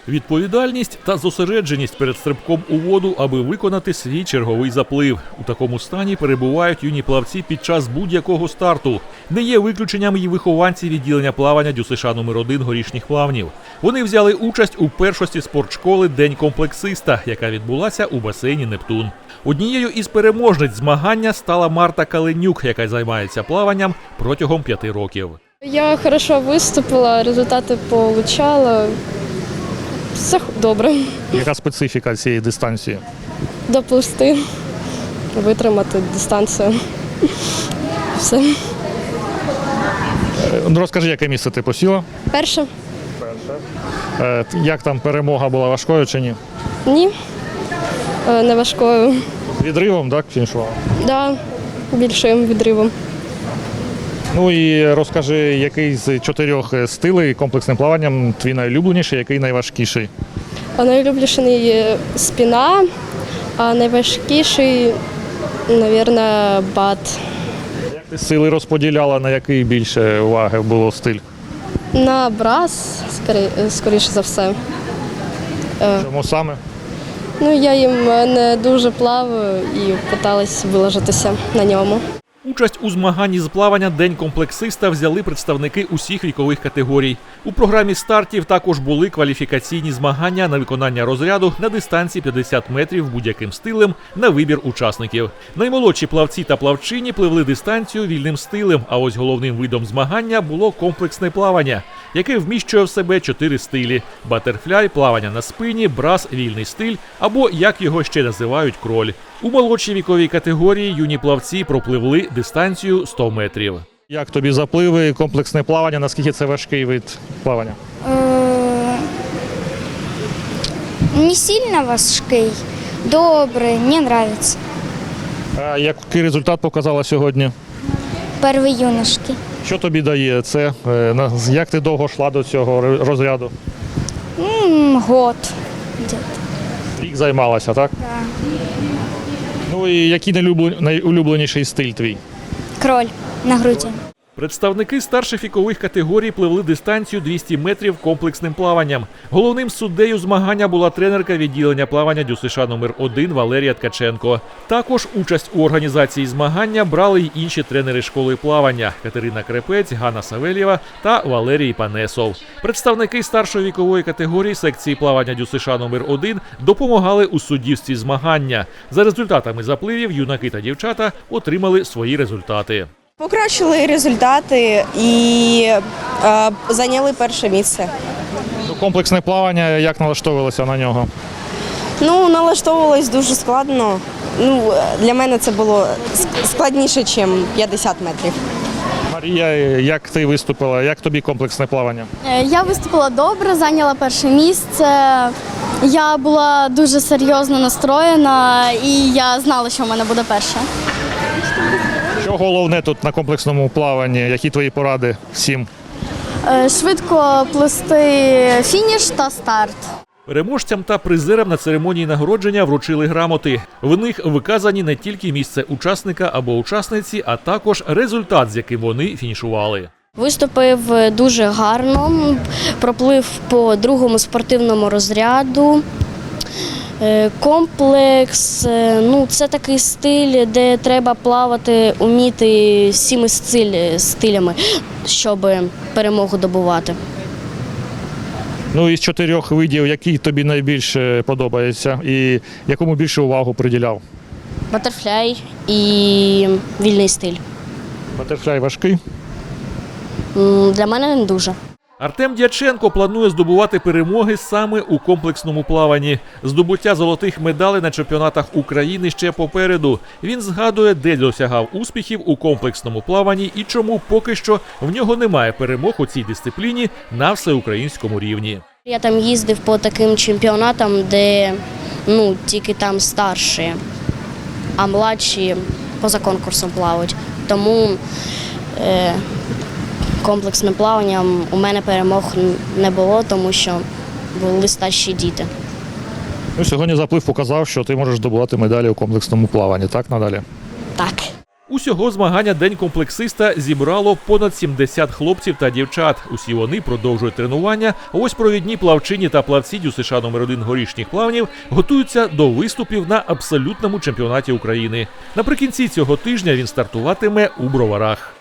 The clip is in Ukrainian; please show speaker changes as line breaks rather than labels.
Відповідальність та зосередженість перед стрибком у воду, аби виконати свій черговий заплив. У такому стані перебувають юні плавці під час будь-якого старту. Не є виключенням і вихованці відділення плавання ДЮСШ номер 1 Горішніх Плавнів. Вони взяли участь у першості спортшколи «День комплексиста», яка відбулася у басейні «Нептун». Однією із переможниць змагання стала Марта Каленюк, яка займається плаванням протягом 5 років.
Я хорошо виступила, результати получала. Все добре.
Яка специфіка цієї дистанції?
Доплисти, витримати дистанцію. Все.
Розкажи, яке місце ти посіла?
Перше?
Як там перемога була, важкою чи ні?
Ні. Не важкою.
З відривом, так, фінішувала?
Да, більшим відривом.
Ну і розкажи, який з 4 стилей комплексним плаванням твій найулюбленіший, який найважкіший?
А найулюбленіший спина, а найважкіший, мабуть, бат.
Як ти сили розподіляла, на який більше уваги було стиль?
На брас, скоріше за все.
Чому саме?
Ну, я їм не дуже плаваю і намагалась вилажитися на ньому.
Участь у змаганні з плавання «День комплексиста» взяли представники усіх вікових категорій. У програмі стартів також були кваліфікаційні змагання на виконання розряду на дистанції 50 метрів будь-яким стилем на вибір учасників. Наймолодші плавці та плавчині пливли дистанцію вільним стилем, а ось головним видом змагання було комплексне плавання, яке вміщує в себе 4 стилі – батерфляй, плавання на спині, брас, вільний стиль або, як його ще називають, кроль. У молодшій віковій категорії юні плавці пропливли дистанцію 100 метрів.
Як тобі запливи, комплексне плавання, наскільки це важкий вид плавання?
Не сильно важкий, добрий, мені подобається.
А який результат показала сьогодні?
Перший юношки.
Що тобі дає це? Як ти довго йшла до цього розряду?
Год.
Рік займалася, так?
Да.
Ну і який найулюбленіший стиль твій?
Кроль на груді.
Представники старших вікових категорій пливли дистанцію 200 метрів комплексним плаванням. Головним суддею змагання була тренерка відділення плавання ДЮСШ номер 1 Валерія Ткаченко. Також участь у організації змагання брали й інші тренери школи плавання – Катерина Крепець, Ганна Савельєва та Валерій Панесов. Представники старшої вікової категорії секції плавання ДЮСШ номер 1 допомагали у суддівстві змагання. За результатами запливів юнаки та дівчата отримали свої результати.
Покращили результати і зайняли перше місце.
Ну, комплексне плавання, як налаштовувалися на нього?
Ну, налаштовувалось дуже складно. Ну, для мене це було складніше, ніж 50 метрів.
Марія, як ти виступила? Як тобі комплексне плавання?
Я виступила добре, зайняла перше місце. Я була дуже серйозно настроєна і я знала, що в мене буде перше.
Що головне тут на комплексному плаванні? Які твої поради всім?
Швидко плисти фініш та старт.
Переможцям та призерам на церемонії нагородження вручили грамоти. В них виказані не тільки місце учасника або учасниці, а також результат, з яким вони фінішували.
Виступив дуже гарно, проплив по 2-му спортивному розряду. Комплекс, це такий стиль, де треба плавати, вміти всіми стилями, щоб перемогу добувати.
Ну, із 4 видів, який тобі найбільше подобається і якому більше увагу приділяв?
Батерфляй і вільний стиль.
Батерфляй важкий?
Для мене не дуже.
Артем Дяченко планує здобувати перемоги саме у комплексному плаванні. Здобуття золотих медалей на чемпіонатах України ще попереду. Він згадує, де досягав успіхів у комплексному плаванні і чому поки що в нього немає перемог у цій дисципліні на всеукраїнському рівні.
Я там їздив по таким чемпіонатам, де тільки там старші, а младші поза конкурсом плавають. Тому комплексним плаванням у мене перемог не було, тому що були старші діти.
Ну, сьогодні заплив показав, що ти можеш здобувати медалі у комплексному плаванні, так, надалі?
Так.
Усього змагання «День комплексиста» зібрало понад 70 хлопців та дівчат. Усі вони продовжують тренування. А ось провідні плавчині та плавці ДЮСШ номер 1 горішніх плавнів готуються до виступів на абсолютному чемпіонаті України. Наприкінці цього тижня він стартуватиме у Броварах.